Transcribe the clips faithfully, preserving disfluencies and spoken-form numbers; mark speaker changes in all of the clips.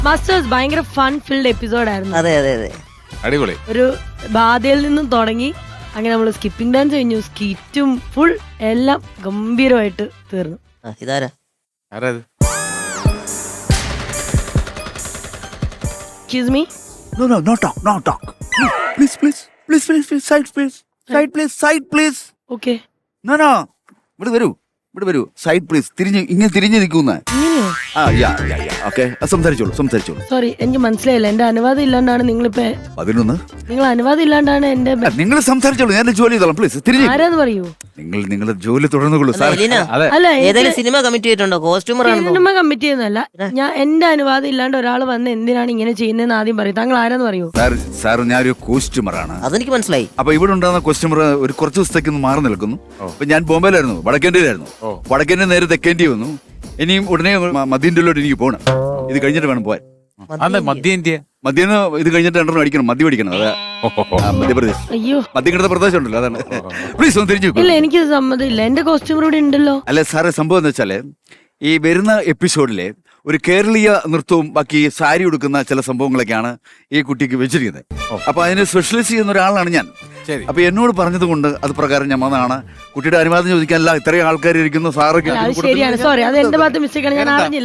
Speaker 1: Masters ഭയങ്കര fun filled episode ആയിരുന്നു.
Speaker 2: അതെ അതെ അതെ
Speaker 3: അടിപൊളി.
Speaker 1: ഒരു ബാധയിൽ നിന്നും തുടങ്ങി അങ്ങനെ നമ്മൾ സ്കിപ്പിംഗ് ഡാൻസ് കഴിഞ്ഞു, സ്കിറ്റും ഫുൾ എല്ലാം ഗംഭീരമായിട്ട് തീർന്നു.
Speaker 2: ഇതാരാ
Speaker 3: ആരാത്?
Speaker 1: Excuse me.
Speaker 4: No, no, no talk, no talk. Please, please, please, please, please, side, please, side, please, side, please.
Speaker 1: Okay.
Speaker 4: No, no. ഇവിടെ വരൂ, ഇവിടെ വരൂ. Side please. തിരിഞ്ഞ് ഇങ്ങനെ തിരിഞ്ഞ് നിൽക്കുന്ന.
Speaker 1: ഇങ്ങനെയോ?
Speaker 4: ആ, യാ, യാ, യാ. ഓക്കെ. സംസാരിച്ചോളൂ, സംസാരിച്ചോളൂ.
Speaker 1: സോറി, എനിക്ക് മനസ്സിലായില്ല. എന്റെ അനുവാദം ഇല്ലാണ്ടാണ് നിങ്ങളിപ്പോ.
Speaker 4: പതിനൊന്ന്.
Speaker 1: നിങ്ങൾ അനുവാദം ഇല്ലാണ്ടാണ് എന്റെ.
Speaker 4: നിങ്ങൾ സംസാരിച്ചോളൂ, ഞാൻ ജോലി ചെയ്തോളാം. പ്ലീസ് തിരിഞ്ഞ്.
Speaker 1: ആരാന്ന് പറയൂ.
Speaker 4: നിങ്ങൾ നിങ്ങളുടെ ജോലി തുടർന്നുകൊള്ളൂ സാർ.
Speaker 1: അല്ല,
Speaker 2: ഏതെങ്കിലും സിനിമ കമ്മിറ്റ് ചെയ്തിട്ടുണ്ടോ? കോസ്റ്റ്യൂമർ
Speaker 1: സിനിമ കമ്മിറ്റ് ചെയ്യുന്നല്ല. ഞാൻ എന്റെ അനുവാദം ഇല്ലാണ്ട് ഒരാൾ വന്ന് എന്തിനാണ് ഇങ്ങനെ ചെയ്യുന്നതെന്ന് ആദ്യം പറയും. താങ്കൾ ആരാന്ന് പറയൂ.
Speaker 4: സാർ, സാർ ഞാനൊരു കോസ്റ്റ്യൂമറാണ്.
Speaker 2: അതെനിക്ക് മനസ്സിലായി.
Speaker 4: അപ്പൊ ഇവിടെ ഉണ്ടാകുന്ന കോസ്റ്റ്യൂമർ ഒരു കുറച്ച് ദിവസത്തേക്ക് ഒന്ന് മാറി നിൽക്കുന്നു. അപ്പൊ ഞാൻ ബോംബെയിലായിരുന്നു, വടക്കേന്ത്യയിലായിരുന്നു. വടക്കേന്ത്യ നേരെ തെക്കേന്ത്യ വന്നു. ഇനിയും ഉടനെ മധ്യേന്ത്യയിലോട്ട് എനിക്ക് പോകണം. ഇത് കഴിഞ്ഞിട്ട് വേണം പോവാൻ.
Speaker 3: മധ്യേന്ത്യ
Speaker 4: മധ്യന്ന് ഇത് കഴിഞ്ഞിട്ട് രണ്ടെണ്ണം അടിക്കണം, മദ്യം അടിക്കണം. അതെ, മധ്യപ്രദേശ്.
Speaker 1: അയ്യോ,
Speaker 4: മദ്യം കിടന്ന പ്രദേശം ഉണ്ടല്ലോ, അതാണ്. പ്ലീസ് ഒന്ന് തിരിഞ്ഞു.
Speaker 1: ഇല്ല, എനിക്ക് സമ്മതമില്ല. എന്റെ കോസ്റ്റ്യൂമർ ഇവിടെ ഉണ്ടല്ലോ.
Speaker 4: അല്ല സാറേ, സംഭവം എന്ന് വെച്ചാല് ഈ വരുന്ന എപ്പിസോഡിലെ ഒരു കേരളീയ നൃത്തവും ബാക്കി സാരി ഉടുക്കുന്ന ചില സംഭവങ്ങളൊക്കെയാണ് ഈ കുട്ടിക്ക് വെച്ചിരിക്കുന്നത്. അപ്പൊ അതിന് സ്പെഷ്യലൈസ് ചെയ്യുന്ന ഒരാളാണ് ഞാൻ. അപ്പൊ എന്നോട് പറഞ്ഞത് കൊണ്ട് അത് പ്രകാരം ഞാൻ വന്നതാണ്. കുട്ടിയുടെ അനുവാദം ചോദിക്കാനല്ല, ഇത്രയും ആൾക്കാർ ഇരിക്കുന്നു. സാറ്
Speaker 1: ശരിയാണ്, സോറി, അത് എന്റെ ഭാഗത്ത് മിസ്റ്റേക്കാണ്, ഞാൻ അറിഞ്ഞില്ല.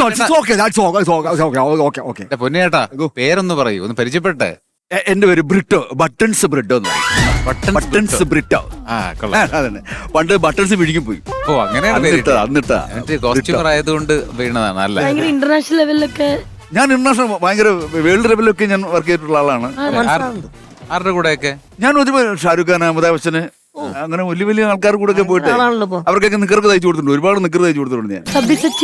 Speaker 3: പൊന്നേട്ടാ, പേരൊന്ന് പറയൂ, ഒന്ന് പരിചയപ്പെട്ടെ.
Speaker 4: എന്റെ പേര് ബ്രിട്ടോ, ബട്ടൺസ് ബ്രിട്ടോ എന്ന് പറയും. ബട്ടൺസ് ബ്രിട്ടോ. അതന്നെ, പണ്ട് ബട്ടൺസ് വിഴുങ്ങി പോയി.
Speaker 3: ഓ, അങ്ങനെയാണ് കോസ്റ്റ്യൂമർ ആയതുകൊണ്ട് വീണതാണ്. അല്ല,
Speaker 1: ഭയങ്കര ഇന്റർനാഷണൽ ലെവലിലൊക്കെ
Speaker 4: ഞാൻ ഇന്റർനാഷണൽ ഭയങ്കര വേൾഡ് ലെവലിലൊക്കെ ഞാൻ വർക്ക് ചെയ്തിട്ടുള്ള ആളാണ്.
Speaker 3: ആരുടെ കൂടെയൊക്കെ?
Speaker 4: ഞാൻ ഒരുപാട് ഷാരൂഖ് ഖാൻ, അമിതാഭ് ബച്ചന്, അങ്ങനെ വലിയ വലിയ ആൾക്കാർ കൂടെ ഒക്കെ പോയിട്ട് അവർക്കൊക്കെ നിക്കർക്ക് തയ്ച്ചു കൊടുത്തിട്ടുണ്ട്. ഒരുപാട് നിക്കർ തയ്ച്ചു കൊടുത്തിട്ടുണ്ട് ഞാൻ.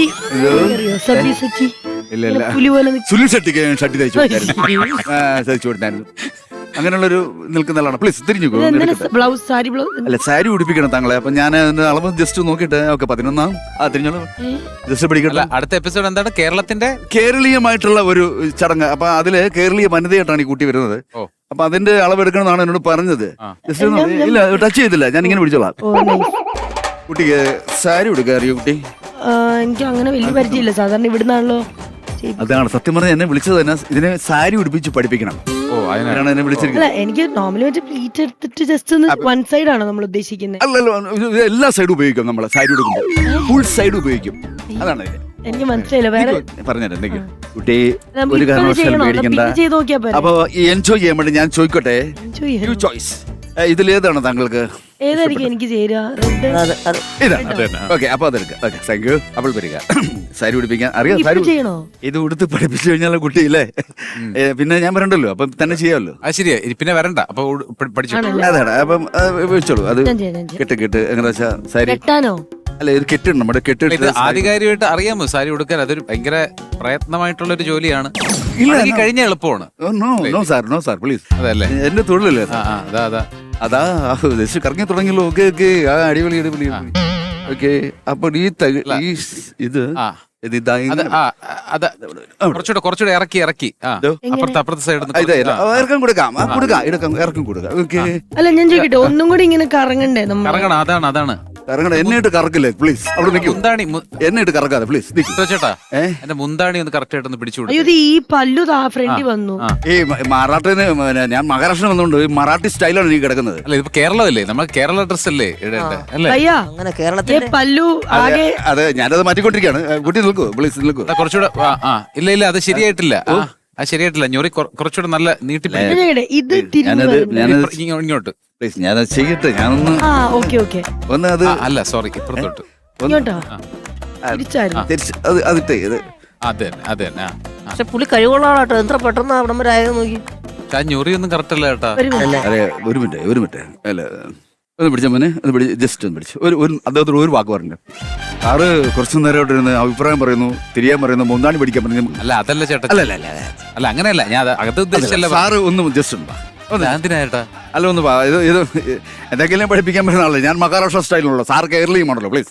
Speaker 4: ഇല്ല ഇല്ല, സുനിൽ ഷെട്ടിക്ക് ഷട്ടി തയ്ച്ചു കൊടുത്തായിരുന്നു, തയ്ച്ചു കൊടുത്തായിരുന്നു. അങ്ങനെയുള്ളൊരു നിൽക്കുന്ന ആളാണ്. പ്ലീസ് തിരിഞ്ഞു.
Speaker 1: ബ്ലൗസ്, സാരി ബ്ലൗസ്
Speaker 4: അല്ല, സാരി ഉടുപ്പിക്കണം താങ്കളെ. അപ്പൊ ഞാൻ അളവ് ജസ്റ്റ് നോക്കിയിട്ട് ഓക്കെ പതിനൊന്നാം ആ തിരിഞ്ഞോളൂ, ജസ്റ്റ് പിടിക്കട്ടെ.
Speaker 3: അടുത്ത എപ്പിസോഡ് എന്താണ്? കേരളത്തിന്റെ
Speaker 4: കേരളീയമായിട്ടുള്ള ഒരു ചടങ്ങ്. അപ്പൊ അതില് കേരളീയ വനിതയായിട്ടാണ് ഈ കുട്ടി വരുന്നത്. അപ്പൊ അതിന്റെ അളവെടുക്കണമെന്നാണ് എന്നോട് പറഞ്ഞത്. ഇല്ല, ടച്ച് ചെയ്തില്ല, ഞാൻ ഇങ്ങനെ പിടിച്ചോളാം. കുട്ടിക്ക് സാരി ഉടുക്കുക അറിയോ കുട്ടി?
Speaker 1: എനിക്ക് അങ്ങനെ വലിയ പരിചയമില്ല, സാധാരണ ഇവിടുന്നാണല്ലോ.
Speaker 4: അതാണ് സത്യം പറഞ്ഞാൽ എന്നെ വിളിച്ചത് തന്നെ ഇതിനെ സാരി ഉടുപ്പിച്ച് പഠിപ്പിക്കണം. അതിനാണ് എന്നെ വിളിച്ചിരിക്കുന്നത്.
Speaker 1: എനിക്ക് നോർമലി പ്ലീറ്റ് എടുത്തിട്ട് ജസ്റ്റ് വൺ സൈഡ് ആണോ നമ്മൾ ഉദ്ദേശിക്കുന്നത്?
Speaker 4: അല്ലല്ലോ, എല്ലാ സൈഡും ഉപയോഗിക്കും നമ്മൾ. സാരി ഉടുക്കുമ്പോൾ ഫുൾ സൈഡ് ഉപയോഗിക്കും. അതാണ്
Speaker 1: എനിക്ക് മനസ്സിലായില്ല. വേറെ
Speaker 4: പറഞ്ഞുതരാം. എന്തെങ്കിലും കുട്ടി ഒരു കാരണവശാലും പേടിക്കണ്ട. അപ്പൊ എൻജോയ് ചെയ്യാൻ വേണ്ടി ഞാൻ ചോദിക്കട്ടെ, യു ചോയ്സ്, ഇതിലേതാണ് താങ്കൾക്ക്?
Speaker 1: ഏതായിരിക്കും എനിക്ക് ചേരുക?
Speaker 4: ഓക്കെ, അപ്പൊ അതെടുക്കാം. Okay, thank you. അപ്പോൾ വരിക. സാരി ഉടുപ്പിക്കാൻ അറിയാം. സാരി
Speaker 1: ചെയ്യണോ?
Speaker 4: ഇത് ഉടുത്ത് പഠിപ്പിച്ചു കഴിഞ്ഞാൽ കുട്ടിയില്ലേ, പിന്നെ ഞാൻ വരണ്ടല്ലോ, അപ്പൊ തന്നെ ചെയ്യാമല്ലോ.
Speaker 3: അത് ശരിയാ, പിന്നെ വരണ്ട. അപ്പൊ
Speaker 4: അതാണ്. അപ്പം വെച്ചോളൂ. അത് കെട്ട് കെട്ട് എങ്ങനെ വെച്ചാ സാരി
Speaker 1: കെട്ടാനോ?
Speaker 4: അല്ല, ഇത് കെട്ടുണ്ട്, നമ്മുടെ കെട്ട്.
Speaker 3: ആധികാരികമായിട്ട് അറിയാമോ സാരി ഉടുക്കാൻ? അതൊരു ഭയങ്കര പ്രയത്നമായിട്ടുള്ള ഒരു ജോലിയാണ്. കഴിഞ്ഞ എളുപ്പമാണ്.
Speaker 4: No sir, no sir, please.
Speaker 3: അതല്ലേ
Speaker 4: എന്റെ തൊഴിലല്ലേ
Speaker 3: അതാ അതാ
Speaker 4: അതാ ജസ്റ്റ് കറങ്ങി തുടങ്ങിയല്ലോ. ഓക്കെ ഓക്കെ, ആ അടിപൊളി അടിപൊളി. ഓക്കെ, അപ്പൊ ഈ ഇത്
Speaker 3: കുറച്ചുകൂടെ കുറച്ചുകൂടെ ഇറക്കി ഇറക്കി അപ്പുറത്തെ അപ്പുറത്തെ സൈഡ്
Speaker 4: ഇറക്കം കൊടുക്കാം, കൊടുക്കാം, ഇടക്കം ഇറക്കം കൊടുക്കാം. ഓക്കെ.
Speaker 1: അല്ല, ഞാൻ ചോദിക്കട്ടെ, ഒന്നും കൂടി ഇങ്ങനെ കറങ്ങണ്ടേ?
Speaker 3: കറങ്ങണം. അതാണ് അതാണ്
Speaker 4: കറങ്ങണം. എന്നിട്ട് കറക്കില്ലേ പ്ലീസ്? അവിടെ നിൽക്കും.
Speaker 3: മുന്താണി
Speaker 4: എന്നിട്ട് കറക്കാതെ പ്ലീസ്.
Speaker 3: ചേട്ടാ, എന്റെ മുന്താണി ഒന്ന് കറക്റ്റ് ആയിട്ടൊന്ന് പിടിച്ചു.
Speaker 1: അയ്യോ, ഈ പല്ലു ഫ്രണ്ടി വന്നു.
Speaker 4: ഈ മറാഠിന് ഞാൻ മഹാരാഷ്ട്ര വന്നുകൊണ്ട് മറാഠി സ്റ്റൈലാണ് എനിക്ക് കിടക്കുന്നത്.
Speaker 3: അല്ല, ഇപ്പൊ കേരളമല്ലേ, നമ്മൾ കേരള ഡ്രസ് അല്ലേ
Speaker 2: അങ്ങനെ കേരളത്തിലെ
Speaker 1: പല്ലു ആകെ.
Speaker 4: അതെ, ഞാനത് മാറ്റിക്കൊണ്ടിരിക്കുകയാണ്. കുട്ടി നിൽക്കൂ പ്ലീസ്, നിൽക്കൂ.
Speaker 3: കുറച്ചുകൂടെ. ഇല്ല ഇല്ല, അത് ശരിയായിട്ടില്ല. അത് ശരിയായിട്ടില്ല. ഞൊറി കുറച്ചുകൂടെ നല്ല നീട്ടി. ഇങ്ങോട്ട്
Speaker 4: പ്ലീസ്, ഞാനത് ചെയ്യട്ടെ. ഞാനൊന്ന് ഒന്ന് അത്
Speaker 3: അല്ല, സോറി, ഇപ്പുറത്തോട്ട്.
Speaker 2: പക്ഷെ പുള്ളി കഴിവുള്ള ആളാട്ടോ. എത്ര പെട്ടെന്ന് അവിടം വരെ ആയത് നോക്കി.
Speaker 3: ഞൊറി ഒന്നും കറക്റ്റ് അല്ല കേട്ടാ.
Speaker 4: അതെ, ഒരു മിനിറ്റ് ഒരു മിനിറ്റ് അല്ല, ഒന്ന് പിടിച്ച മോനെ, ഒന്ന് പിടി, ജസ്റ്റ് ഒന്ന് പിടിച്ചു. ഒരു ഒരു അദ്ദേഹത്തോട് ഒരു വാക്ക് പറഞ്ഞു. സാറ് കുറച്ചു നേരം ഇരുന്ന് അഭിപ്രായം പറയുന്നു, തിരിയാൻ പറയുന്നു, മുന്താണി പിടിക്കാൻ പറഞ്ഞു.
Speaker 3: അല്ല, അതല്ല ചേട്ടാ.
Speaker 4: അല്ല അല്ല
Speaker 3: അല്ല, അങ്ങനെയല്ല, ഞാൻ അകത്ത് ഉദ്ദേശിച്ചല്ല.
Speaker 4: സാറ് ഒന്ന് ജസ്റ്റ് ഉണ്ട്.
Speaker 3: എന്തിനാ?
Speaker 4: അല്ല, ഒന്ന് ഇത് ഇത് എന്തെങ്കിലും പഠിപ്പിക്കാൻ പറ്റുന്ന ആളല്ലേ. ഞാൻ മഹാരാഷ്ട്ര സ്റ്റൈലിലുള്ള, സാർ കേരളീയമാണല്ലോ. പ്ലീസ്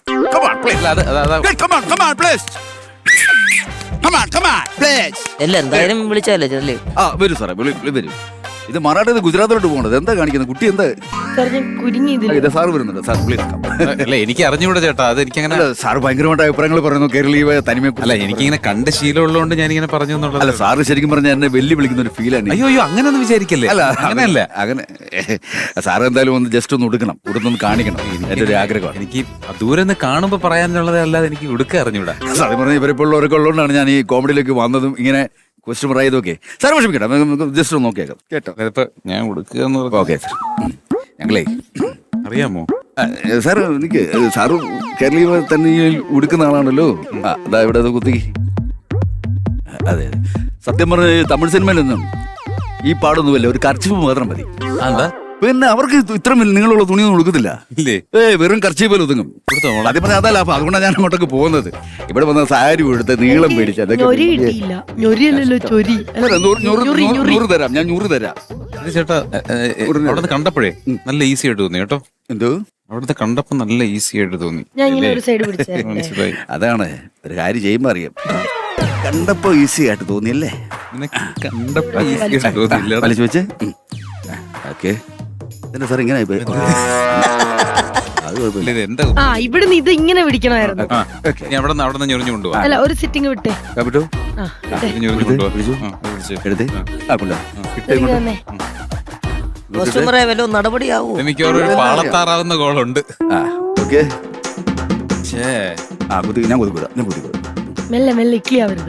Speaker 2: എന്തായാലും വിളിച്ചാലേ ചെല്ലേ.
Speaker 4: ആ, വരൂ സാറേ, വരൂ. ഇത് മറാഠിന്ന് ഗുജറാത്തിലോട്ട് പോകണത് എന്താ കാണിക്കുന്നത് കുട്ടി എന്താ
Speaker 1: സാർ ഞാൻ കുരുങ്ങി ഇതിൽ
Speaker 4: ഇത് സാറ് വരുന്നുണ്ട് സാർ പ്ലീസ്
Speaker 3: അല്ല എനിക്ക് അറിഞ്ഞൂടാ ചേട്ടാ അത് എനിക്കങ്ങനെ
Speaker 4: സാറ് ഭയങ്കരമായിട്ട് അഭിപ്രായങ്ങൾ പറയുന്നു കേരളീയ തനിമയെ
Speaker 3: അല്ല എനിക്കിങ്ങനെ കണ്ട ശീലമുള്ളതുകൊണ്ട് ഞാനിങ്ങനെ പറഞ്ഞു എന്നുള്ളത്
Speaker 4: അല്ല സാറ് ശരിക്കും പറഞ്ഞാൽ എന്നെ വെല്ലു വിളിക്കുന്ന ഒരു ഫീലാണ്
Speaker 3: അയ്യോ അയ്യോ അങ്ങനെയൊന്നും വിചാരിക്കല്ലേ
Speaker 4: അല്ല
Speaker 3: അങ്ങനെയല്ല
Speaker 4: അങ്ങനെ സാറ് എന്തായാലും ഒന്ന് ജസ്റ്റ് ഒന്ന് ഉടുക്കണം ഉടുത്തൊന്ന് കാണിക്കണം എന്റെ ഒരു ആഗ്രഹമാണ്
Speaker 3: എനിക്ക് ദൂരെ നിന്ന് കാണുമ്പോ പറയാനുള്ളത് അല്ലാതെ എനിക്ക് ഉടുക്ക അറിഞ്ഞൂടാ
Speaker 4: സത്യം പറഞ്ഞാൽ ഇവരിപ്പോൾ ഉള്ളവരൊക്കെ ഉള്ളതുകൊണ്ടാണ് ഞാൻ ഈ കോമഡിയിലേക്ക് വന്നതും ഇങ്ങനെ ക്വസ്റ്റ്യൻ ആയതൊക്കെ സാർ വിഷമിക്കട്ടെ നമുക്ക് ജസ്റ്റ് ഒന്ന് നോക്കിയേക്കാം കേട്ടോ
Speaker 3: അതിപ്പോ ഞാൻ ഉടുക്കുക എന്ന് പറഞ്ഞാ-
Speaker 4: ഓക്കെ സാർ ഞങ്ങളേ
Speaker 3: അറിയാമോ
Speaker 4: സാർ എനിക്ക് സാറ് കേരളീയ തന്നെ ഉടുക്കുന്ന ആളാണല്ലോ ആ അതാ ഇവിടെ അത് കുത്തി അതെ അതെ സത്യം പറഞ്ഞ തമിഴ് സിനിമയിലൊന്നും ഈ പാടൊന്നുമല്ല ഒരു കർച്ചിപ്പ് മാത്രം മതി
Speaker 3: എന്താ
Speaker 4: പിന്നെ അവർക്ക് ഇത് ഇത്ര നീളമുള്ള തുണിയൊന്നും ഉടുക്കത്തില്ല
Speaker 3: ഇല്ലേ
Speaker 4: ഏ വെറും കർച്ചിപ്പിൽ ഒതുങ്ങും ആദ്യം പറഞ്ഞാൽ അതല്ല അപ്പൊ അതുകൊണ്ടാണ് ഞാൻ അങ്ങോട്ടേക്ക് പോകുന്നത് ഇവിടെ വന്ന സാരി എടുത്ത് നീളം മേടിച്ച് അതൊക്കെ
Speaker 1: ഞൊരി കിട്ടിയില്ല ഞൊരിയല്ലല്ലോ ചൊരി
Speaker 4: അല്ല, നൂറ് നൂറ്
Speaker 1: ഞൊറി,
Speaker 4: നൂറ്
Speaker 1: ഞൊറി.
Speaker 4: നൂറ് തരാം ഞാൻ നൂറ് തരാം
Speaker 3: ഇത് ചേട്ടാ അവിടുന്ന് കണ്ടപ്പോഴേ നല്ല ഈസി ആയിട്ട് തോന്നി കേട്ടോ
Speaker 4: എന്തോ
Speaker 3: അവിടുത്തെ കണ്ടപ്പോ നല്ല ഈസി ആയിട്ട് തോന്നി
Speaker 1: ഞാൻ ഇങ്ങനെ ഒരു സൈഡ് പിടിച്ചേ
Speaker 3: മനസ്സിലായി
Speaker 4: അതാണ് ഒരു കാര്യം ചെയ്യുമ്പോ അറിയാം കണ്ടപ്പോ ഈസി ആയിട്ട് തോന്നിയല്ലേ
Speaker 3: നിനക്ക് കണ്ടപ്പോ ഈസി ആയിട്ട് തോന്നിയില്ല
Speaker 4: വലിച്ചു വെച്ച് ഓക്കെ എന്താ സാർ ഇങ്ങനെ ആയിപ്പോയി? അത് കുഴപ്പമില്ല
Speaker 3: ഇത് എന്താ
Speaker 1: ആ ഇവിടുന്ന് ഇത് ഇങ്ങനെ പിടിക്കണമായിരുന്നു
Speaker 3: ആ ഞാൻ അവിടെ നിന്ന് അവിടെ നിന്ന് ഞൊറിഞ്ഞു കൊണ്ടുപോവാ
Speaker 1: അല്ല ഒരു സിറ്റിംഗ് വിട്ടേ
Speaker 4: കാപ്പിട്ടോ
Speaker 1: ആ വിട്ടേ.
Speaker 3: ഞൊറിഞ്ഞു കൊണ്ടുപോവാ
Speaker 4: എടുത്ത് ആ കൊണ്ടോ
Speaker 1: ഇതിങ്ങ് തന്നെ.
Speaker 2: കസ്റ്റമറെ വല്ല നടപടിയാവൂ
Speaker 3: എനിക്ക് ഒരു പാളത്താറാവുന്ന കോളുണ്ട്
Speaker 4: ആ ഓക്കെ
Speaker 3: ഛേ
Speaker 4: ആ കുത്തി ഞാൻ കുതിക്കൂടാ ഞാൻ കുതിക്കൂടാ
Speaker 1: മെല്ലെ മെല്ലെ ഇക്ലി ആവരുത്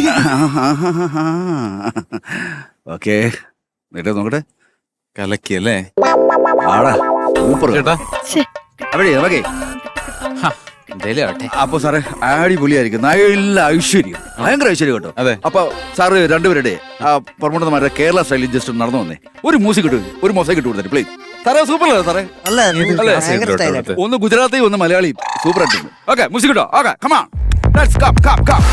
Speaker 4: ഓക്കെ നേട്ടെ നോക്കട്ടെ
Speaker 3: കലക്കിയല്ലേ
Speaker 4: ആടാ സൂപ്പർ
Speaker 3: ചേട്ടാ
Speaker 1: ശ്ശേ,
Speaker 4: അവിടെ ഓക്കെ
Speaker 3: എന്തേലും ആവട്ടെ
Speaker 4: അപ്പൊ സാറേ അടിപൊളിയായിരിക്കും നല്ല ഐശ്വര്യം ഭയങ്കര ഐശ്വര്യം കേട്ടോ
Speaker 3: അതെ.
Speaker 4: അപ്പൊ സാറ് രണ്ടുപേരുടെ ആ പ്രമുഖന്മാരുടെ കേരള സ്റ്റൈലിൽ ജസ്റ്റ് നടന്നു വന്നേ ഒരു മ്യൂസിക് ഇട്ടു ഒരു മൊസൈക്ക് ഇട്ട് കൊടുത്തേ പ്ലീസ് സാറേ സൂപ്പർ അല്ലേ സാറേ
Speaker 2: അല്ല
Speaker 4: അല്ലേ?
Speaker 2: ഭയങ്കര സ്റ്റൈലായിട്ട്
Speaker 4: ഒന്ന് ഗുജറാത്തി ഒന്ന് മലയാളി സൂപ്പർ ആയിട്ടുണ്ട് ഓക്കെ മ്യൂസിക് ഇട്ടോ okay come on let's come come come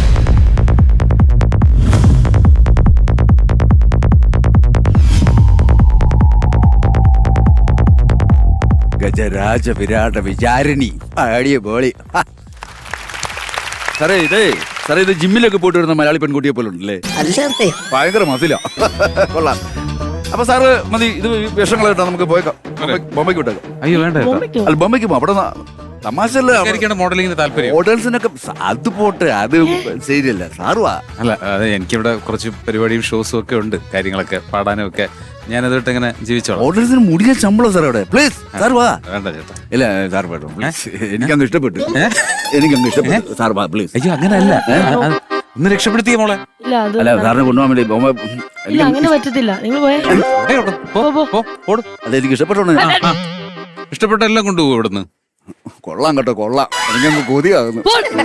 Speaker 4: ഗജരാജ വിരാട വിചാരിണി അടിയ ബോളി ഹാ. സാറേ ഇതേ സാറേ ഇത് ജിമ്മിലൊക്കെ പോയിട്ട് വരുന്ന മലയാളി പെൺകുട്ടിയെ പോലെ ഉണ്ടല്ലേ
Speaker 2: അല്ലേ
Speaker 4: ഭയങ്കര മസില കൊള്ളാം അപ്പൊ സാറ് മതി ഇത് വിഷങ്ങളായിട്ടാ നമുക്ക് പോയേക്കാം ബോംബെ- ബോംബെക്ക് വിട്ടേക്കാം
Speaker 3: അയ്യോ വേണ്ട ചേട്ടാ
Speaker 1: ബോംബെക്കോ?
Speaker 4: അല്ല ബോംബെക്ക് പോ അവിടെ തമാശല്ലേ
Speaker 3: എനിക്കാണ് മോഡലിങ്ങിന് താല്പര്യം
Speaker 4: ഹോട്ടൽസിനൊക്കെ സ- അത് പോട്ടെ അത് ശരിയല്ല സാറുവാ
Speaker 3: അല്ല അതെ എനിക്കിവിടെ കുറച്ച് പരിപാടിയും ഷോസും ഒക്കെ ഉണ്ട് കാര്യങ്ങളൊക്കെ പാടാനും ഒക്കെ ഞാനതിട്ട് ഇങ്ങനെ ജീവിച്ചോളാം
Speaker 4: ഹോട്ടൽസിന് മുടിയ ശമ്പളം സാർ അവിടെ പ്ലീസ് സാർ വാ
Speaker 3: വേണ്ട ചേട്ടാ
Speaker 4: ഇല്ല സാർ വേട്ടോ പ്ലീസ് എനിക്കങ്ങ് ഇഷ്ടപ്പെട്ടു എനിക്കങ്ങ് ഇഷ്ടപ്പെട്ടു സാർ വാ പ്ലീസ്
Speaker 3: അയ്യോ അങ്ങനെയല്ല ഒന്ന് രക്ഷപ്പെടുത്തിയ മോളെ
Speaker 1: ഇല്ല അത്
Speaker 4: അല്ല സാറിനെ കൊണ്ടുപോകാൻ വേണ്ടി ബോംബെ
Speaker 1: ഇല്ല അങ്ങനെ പറ്റത്തില്ല നിങ്ങൾ പോയേ
Speaker 3: എവിടെ ഓടും? പോ, പോ, ഓടും.
Speaker 4: അത് എനിക്ക് ഇഷ്ടപ്പെട്ടോണ്ട്
Speaker 3: ആ, ആ. ഇഷ്ടപ്പെട്ട എല്ലാം കൊണ്ടുപോകും ഇവിടുന്ന്
Speaker 4: കൊള്ളാം കേട്ടോ കൊള്ളാം എനിക്കങ്ങ് കൊതിയാകുന്നു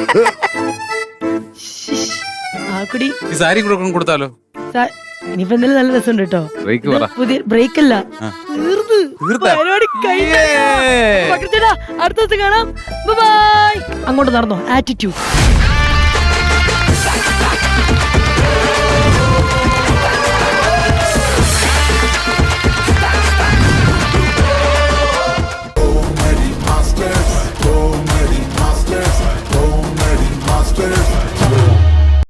Speaker 1: ആ കുടി
Speaker 3: ഈ സാരി കൂടെ കൊണ്ട് കൊടുത്താലോ
Speaker 1: സാ- ഇനിയിപ്പോ എന്തായാലും നല്ല രസമുണ്ട് കേട്ടോ
Speaker 3: ബ്രേക്ക് പറ
Speaker 1: പുതിയ ബ്രേക്ക് അല്ല
Speaker 3: ആ.
Speaker 1: തീർന്ന്
Speaker 3: തീർത്താ?
Speaker 1: പരിപാടി കഴിഞ്ഞു.
Speaker 3: ഏയ്.
Speaker 1: പകർച്ചേട്ടാ, അടുത്ത ദിവസം കാണാം ബൈ അങ്ങോട്ട് നടന്നോ ആറ്റിറ്റ്യൂഡ്